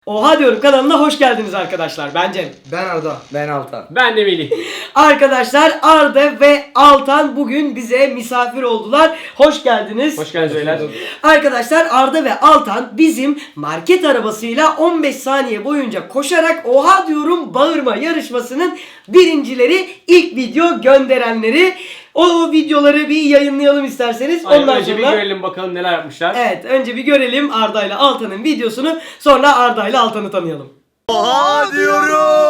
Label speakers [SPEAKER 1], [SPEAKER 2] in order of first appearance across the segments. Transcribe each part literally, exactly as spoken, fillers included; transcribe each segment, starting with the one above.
[SPEAKER 1] Oha diyorum kanalına hoş geldiniz arkadaşlar. Ben Cem.
[SPEAKER 2] Ben Arda.
[SPEAKER 3] Ben Altan.
[SPEAKER 4] Ben de Melih.
[SPEAKER 1] Arkadaşlar Arda ve Altan bugün bize misafir oldular. Hoş geldiniz.
[SPEAKER 4] Hoş geldiniz beyler.
[SPEAKER 1] Arkadaşlar Arda ve Altan bizim market arabasıyla on beş saniye boyunca koşarak oha diyorum bağırma yarışmasının birincileri, ilk video gönderenleri. O videoları bir yayınlayalım isterseniz.
[SPEAKER 4] Aynen,
[SPEAKER 1] Ondan
[SPEAKER 4] önce
[SPEAKER 1] sonra...
[SPEAKER 4] bir görelim bakalım neler yapmışlar.
[SPEAKER 1] Evet, önce bir görelim Arda ile Altan'ın videosunu, sonra Arda ile Altan'ı tanıyalım.
[SPEAKER 2] Oha diyorum.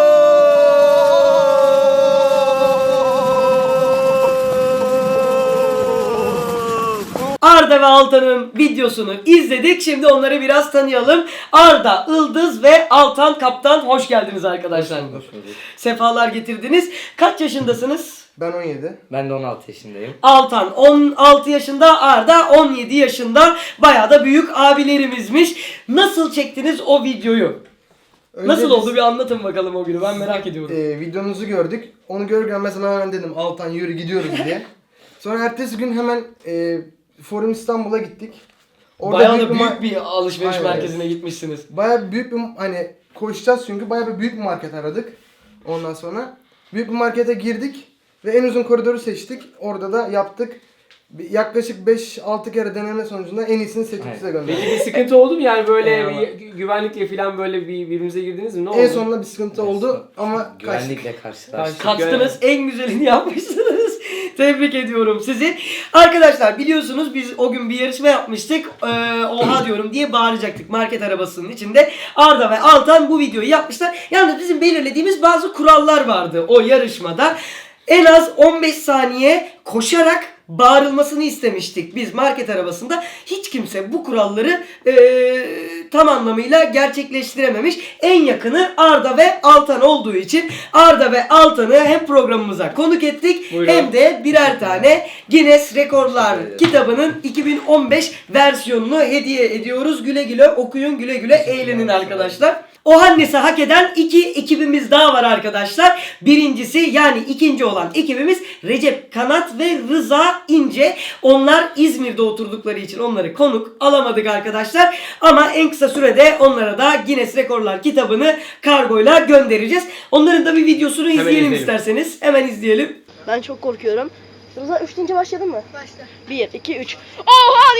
[SPEAKER 1] Arda ve Altan'ın videosunu izledik. Şimdi onları biraz tanıyalım. Arda, Ildız ve Altan Kaptan, hoş geldiniz arkadaşlar.
[SPEAKER 3] Hoş bulduk.
[SPEAKER 1] Sefalar getirdiniz. Kaç yaşındasınız?
[SPEAKER 2] Ben on yedi.
[SPEAKER 3] Ben de on altı yaşındayım.
[SPEAKER 1] Altan on altı yaşında, Arda on yedi yaşında. Bayağı da büyük abilerimizmiş. Nasıl çektiniz o videoyu?
[SPEAKER 2] Önce
[SPEAKER 1] Nasıl
[SPEAKER 2] biz,
[SPEAKER 1] oldu bir anlatın bakalım o günü, ben merak ediyorum.
[SPEAKER 2] e, videonuzu gördük. Onu görürken mesela hemen dedim Altan yürü gidiyoruz diye. Sonra ertesi gün hemen e, Forum İstanbul'a gittik.
[SPEAKER 1] Bayağı da
[SPEAKER 2] bir
[SPEAKER 1] büyük
[SPEAKER 2] ma-
[SPEAKER 1] bir alışveriş
[SPEAKER 2] Aynen.
[SPEAKER 1] merkezine gitmişsiniz.
[SPEAKER 2] Bayağı büyük bir hani koşacağız çünkü bayağı bir büyük bir market aradık. Ondan sonra büyük bir markete girdik ve en uzun koridoru seçtik. Orada da yaptık. Bir- Yaklaşık beş altı kere deneme sonucunda en iyisini seçip
[SPEAKER 3] Aynen.
[SPEAKER 2] size gönderdik.
[SPEAKER 4] Peki bir sıkıntı oldu mu yani böyle
[SPEAKER 2] Eyvallah.
[SPEAKER 4] bir güvenlikle falan böyle bir birbirimize girdiniz mi? Ne oldu?
[SPEAKER 2] En sonunda bir sıkıntı oldu ama kaçtık.
[SPEAKER 3] Güvenlikle karşılaştık.
[SPEAKER 1] Kaçtınız, en güzelini yapmışsınız. Tebrik ediyorum sizi. Arkadaşlar biliyorsunuz biz o gün bir yarışma yapmıştık. Ee, oha diyorum diye bağıracaktık market arabasının içinde. Arda ve Altan bu videoyu yapmışlar. Yalnız bizim belirlediğimiz bazı kurallar vardı o yarışmada. En az on beş saniye koşarak bağırılmasını istemiştik biz market arabasında. Hiç kimse bu kuralları eee, tam anlamıyla gerçekleştirememiş. En yakını Arda ve Altan olduğu için Arda ve Altan'ı hem programımıza konuk ettik,
[SPEAKER 4] Buyurun.
[SPEAKER 1] hem de birer tane Guinness Rekorlar
[SPEAKER 3] Teşekkür ederim.
[SPEAKER 1] kitabının iki bin on beş versiyonunu hediye ediyoruz. Güle güle okuyun, güle güle eğlenin arkadaşlar. O Hannes'i hak eden iki ekibimiz daha var arkadaşlar. Birincisi yani ikinci olan ekibimiz Recep Kanat ve Rıza İnce. Onlar İzmir'de oturdukları için onları konuk alamadık arkadaşlar. Ama en kısa sürede onlara da Guinness Rekorlar kitabını kargoyla göndereceğiz. Onların da bir videosunu
[SPEAKER 4] Hemen
[SPEAKER 1] izleyelim
[SPEAKER 4] izleyelim.
[SPEAKER 1] isterseniz. Hemen izleyelim.
[SPEAKER 5] Ben çok korkuyorum. Rıza üç deyince başladın mı? Başla. bir, iki, üç. Oha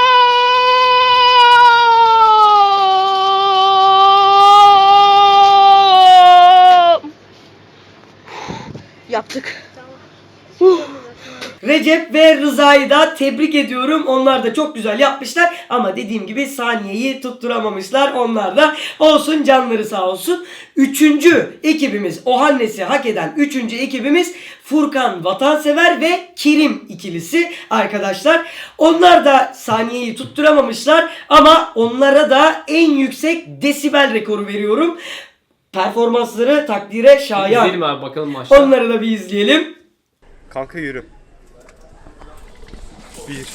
[SPEAKER 5] diyorum! Yaptık.
[SPEAKER 1] Recep ve Rıza'yı da tebrik ediyorum. Onlar da çok güzel yapmışlar. Ama dediğim gibi saniyeyi tutturamamışlar. Onlar da olsun, canları sağ olsun. Üçüncü ekibimiz, o Hannes'i hak eden üçüncü ekibimiz Furkan Vatansever ve Kerim ikilisi arkadaşlar. Onlar da saniyeyi tutturamamışlar. Ama onlara da en yüksek desibel rekoru veriyorum. Performansları takdire şayan.
[SPEAKER 4] İzleyelim abi bakalım maçta.
[SPEAKER 1] Onları da bir izleyelim.
[SPEAKER 6] Kanka yürü. Bir. Üç.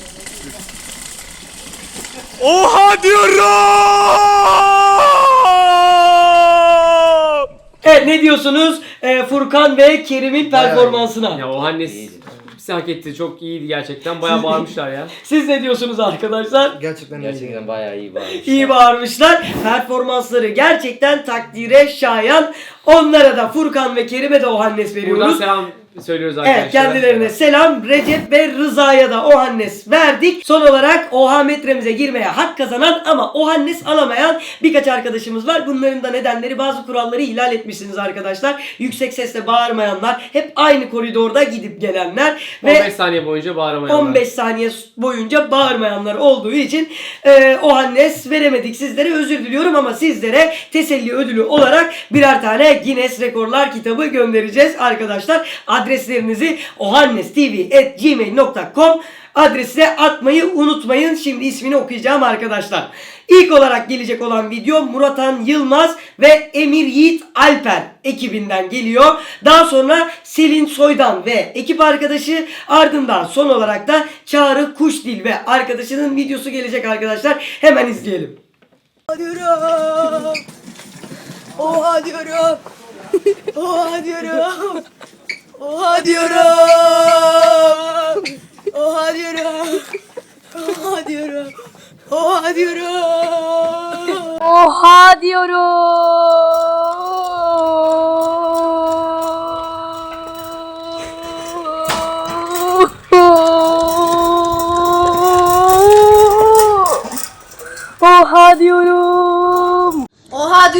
[SPEAKER 6] Oha diyorum!
[SPEAKER 1] Evet, ne diyorsunuz Ee, Furkan ve Kerim'in
[SPEAKER 2] Bayağı
[SPEAKER 1] performansına?
[SPEAKER 4] Ya o Hannes bizi hak etti. Çok iyiydi gerçekten. Bayağı bağırmışlar ya.
[SPEAKER 1] Siz ne diyorsunuz arkadaşlar?
[SPEAKER 2] Gerçekten,
[SPEAKER 3] Gerçekten bayağı iyi bağırmışlar.
[SPEAKER 1] İyi bağırmışlar. Performansları gerçekten takdire şayan. Onlara da Furkan ve Kerim'e de o Hannes
[SPEAKER 4] Buradan
[SPEAKER 1] veriyoruz.
[SPEAKER 4] selam söylüyoruz arkadaşlar.
[SPEAKER 1] Evet, kendilerine selam. Recep ve Rıza'ya da o Hannes verdik. Son olarak Oha metremize girmeye hak kazanan ama o Hannes alamayan birkaç arkadaşımız var. Bunların da nedenleri, bazı kuralları ihlal etmişsiniz arkadaşlar. Yüksek sesle bağırmayanlar, hep aynı koridorda gidip gelenler
[SPEAKER 4] on beş
[SPEAKER 1] ve
[SPEAKER 4] saniye boyunca bağıramayanlar.
[SPEAKER 1] on beş saniye boyunca bağırmayanlar olduğu için e, o Hannes veremedik sizlere, özür diliyorum ama sizlere teselli ödülü olarak birer tane Guinness Rekorlar kitabı göndereceğiz arkadaşlar. Adreslerinizi ohannestv at gmail nokta com adresine atmayı unutmayın. Şimdi ismini okuyacağım arkadaşlar. İlk olarak gelecek olan video Muratan Yılmaz ve Emir Yiğit Alper ekibinden geliyor. Daha sonra Selin Soydan ve ekip arkadaşı, ardından son olarak da Çağrı Kuşdil ve arkadaşının videosu gelecek arkadaşlar. Hemen izleyelim.
[SPEAKER 5] Diyorum. Oha diyorum. Oha diyorum. Oha diyorum. Oha diyorum. Oha diyorum.
[SPEAKER 1] Oha diyorum.
[SPEAKER 5] Oha diyorum. Oha diyorum.
[SPEAKER 7] Oha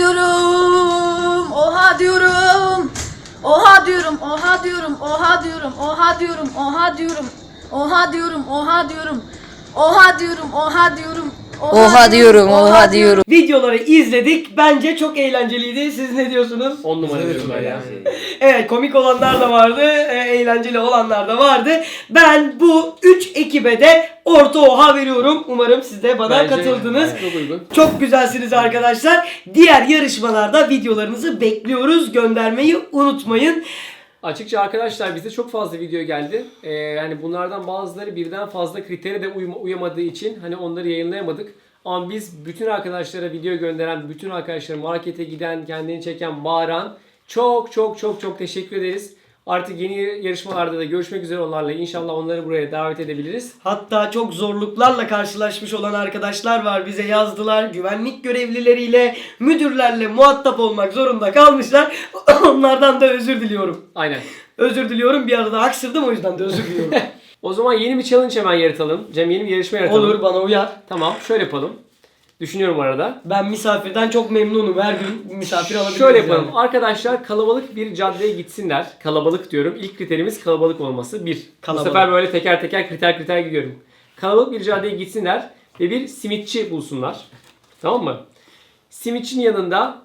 [SPEAKER 7] diyorum. Oha diyorum. Oha diyorum. Oha diyorum. Oha diyorum. Oha diyorum. Oha diyorum. Oha diyorum. Oha diyorum. Oha diyorum. Oha diyorum.
[SPEAKER 5] Oha diyorum. Oha diyorum.
[SPEAKER 1] Videoları izledik. Bence çok eğlenceliydi. Siz ne diyorsunuz?
[SPEAKER 4] on numara
[SPEAKER 3] Güzel
[SPEAKER 4] diyorum ben ya.
[SPEAKER 1] Evet, komik olanlar da vardı, e, eğlenceli olanlar da vardı. Ben bu üç ekibe de orta oha veriyorum. Umarım siz de bana
[SPEAKER 4] Bence
[SPEAKER 1] katıldınız.
[SPEAKER 4] Çok uygun.
[SPEAKER 1] Çok güzelsiniz arkadaşlar. Diğer yarışmalarda videolarınızı bekliyoruz. Göndermeyi unutmayın.
[SPEAKER 4] Açıkça arkadaşlar bize çok fazla video geldi. Ee, yani bunlardan bazıları birden fazla kritere de uyma- uyamadığı için hani onları yayınlayamadık. Ama biz bütün arkadaşlara video gönderen, bütün arkadaşlara markete giden, kendini çeken, bağıran çok çok çok çok teşekkür ederiz. Artık yeni yarışmalarda da görüşmek üzere onlarla. İnşallah onları buraya davet edebiliriz.
[SPEAKER 1] Hatta çok zorluklarla karşılaşmış olan arkadaşlar var. Bize yazdılar. Güvenlik görevlileriyle, müdürlerle muhatap olmak zorunda kalmışlar. Onlardan da özür diliyorum.
[SPEAKER 4] Aynen.
[SPEAKER 1] Özür diliyorum. Bir arada aksırdım, o yüzden de özür diliyorum.
[SPEAKER 4] O zaman yeni bir challenge hemen yaratalım. Cem yeni bir yarışma yaratalım.
[SPEAKER 1] Olur, bana uyar.
[SPEAKER 4] Tamam şöyle yapalım. Düşünüyorum arada.
[SPEAKER 1] Ben misafirden çok memnunum. Her gün misafir alabiliriz.
[SPEAKER 4] Şöyle yapalım.
[SPEAKER 1] yani.
[SPEAKER 4] Arkadaşlar kalabalık bir caddeye gitsinler. Kalabalık diyorum. İlk kriterimiz kalabalık olması. Bir.
[SPEAKER 1] Kalabalık.
[SPEAKER 4] Bu sefer böyle teker teker kriter kriter gidiyorum. Kalabalık bir caddeye gitsinler ve bir simitçi bulsunlar. Tamam mı? Simitçinin yanında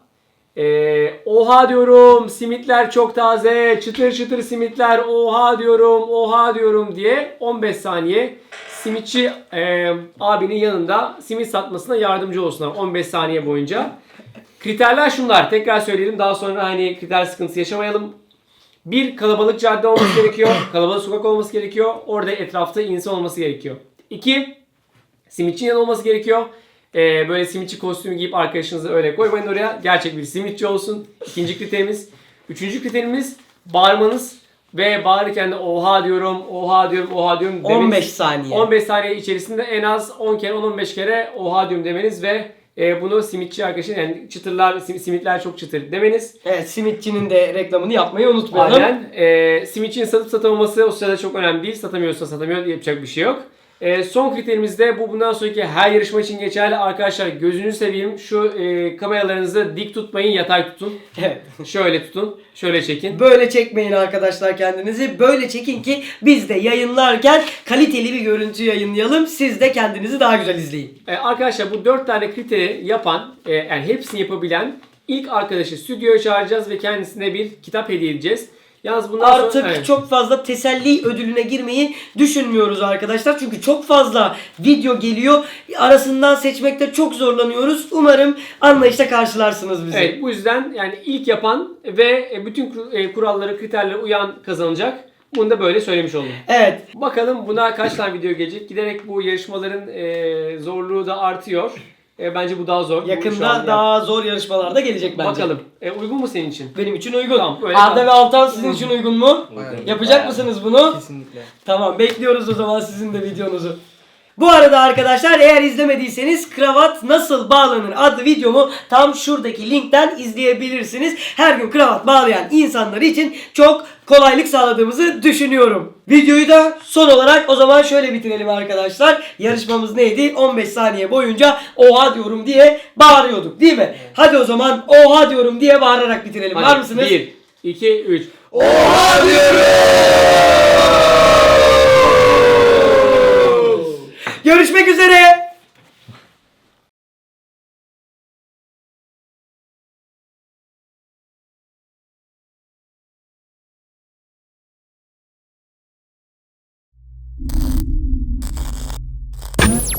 [SPEAKER 4] eee, oha diyorum, simitler çok taze, çıtır çıtır simitler, oha diyorum, oha diyorum diye on beş saniye simitçi eee, abinin yanında simit satmasına yardımcı olsunlar on beş saniye boyunca. Kriterler şunlar. Tekrar söyleyelim. Daha sonra hani kriter sıkıntısı yaşamayalım. Bir, kalabalık cadde olması gerekiyor. Kalabalık sokak olması gerekiyor. Orada etrafta insan olması gerekiyor. İki, simitçinin yanı olması gerekiyor. Ee, böyle simitçi kostümü giyip arkadaşınızı öyle koymayın oraya. Gerçek bir simitçi olsun. İkinci kriterimiz. Üçüncü kriterimiz bağırmanız. Ve bağırırken de oha diyorum, oha diyorum, oha diyorum demeniz.
[SPEAKER 1] on beş saniye.
[SPEAKER 4] on beş saniye içerisinde en az on kere, on on beş kere oha diyorum demeniz ve e, bunu simitçi arkadaşın yani çıtırlar, sim- simitler çok çıtır demeniz.
[SPEAKER 1] Evet, simitçinin de reklamını yapmayı unutmayalım.
[SPEAKER 4] Aynen. E, simitçinin satıp satamaması o sırada çok önemli değil. Satamıyorsa satamıyor, yapacak bir şey yok. E, son kriterimiz de bu bundan sonraki her yarışma için geçerli. Arkadaşlar gözünü seveyim şu e, kameralarınızı dik tutmayın, yatay tutun.
[SPEAKER 1] Evet.
[SPEAKER 4] Şöyle tutun, şöyle çekin.
[SPEAKER 1] Böyle çekmeyin arkadaşlar kendinizi. Böyle çekin ki biz de yayınlarken kaliteli bir görüntü yayınlayalım. Siz de kendinizi daha güzel izleyin.
[SPEAKER 4] E, arkadaşlar bu dört tane kriteri yapan, e, yani hepsini yapabilen ilk arkadaşı stüdyoya çağıracağız ve kendisine bir kitap hediye edeceğiz. Yalnız bundan
[SPEAKER 1] Artık
[SPEAKER 4] sonra, evet.
[SPEAKER 1] çok fazla teselli ödülüne girmeyi düşünmüyoruz arkadaşlar. Çünkü çok fazla video geliyor. Arasından seçmekte çok zorlanıyoruz. Umarım anlayışla karşılarsınız bizi.
[SPEAKER 4] Evet, bu yüzden yani ilk yapan ve bütün kur- e, kurallara, kriterlere uyan kazanacak. Bunu da böyle söylemiş oldum.
[SPEAKER 1] Evet.
[SPEAKER 4] Bakalım buna kaç tane video gelecek. Giderek bu yarışmaların e, zorluğu da artıyor. E, bence bu daha zor. Bu şu
[SPEAKER 1] Yakında
[SPEAKER 4] an
[SPEAKER 1] daha zor yarışmalarda gelecek bence.
[SPEAKER 4] Bakalım. E, uygun mu senin için?
[SPEAKER 1] Benim için uygun.
[SPEAKER 4] Tamam, öyle
[SPEAKER 1] Arda
[SPEAKER 4] tamam.
[SPEAKER 1] ve Altan sizin için uygun mu?
[SPEAKER 2] Aynen.
[SPEAKER 1] Yapacak
[SPEAKER 3] Bayağı.
[SPEAKER 1] mısınız bunu?
[SPEAKER 2] Kesinlikle.
[SPEAKER 1] Tamam, bekliyoruz o zaman sizin de videonuzu. Bu arada arkadaşlar eğer izlemediyseniz kravat nasıl bağlanır adlı videomu tam şuradaki linkten izleyebilirsiniz. Her gün kravat bağlayan insanlar için çok kolaylık sağladığımızı düşünüyorum. Videoyu da son olarak o zaman şöyle bitirelim arkadaşlar. Yarışmamız neydi? on beş saniye boyunca oha diyorum diye bağırıyorduk değil mi? Hadi o zaman oha diyorum diye bağırarak bitirelim. Var
[SPEAKER 4] Hadi,
[SPEAKER 1] mısınız?
[SPEAKER 4] bir, iki, üç.
[SPEAKER 1] Oha diyorum!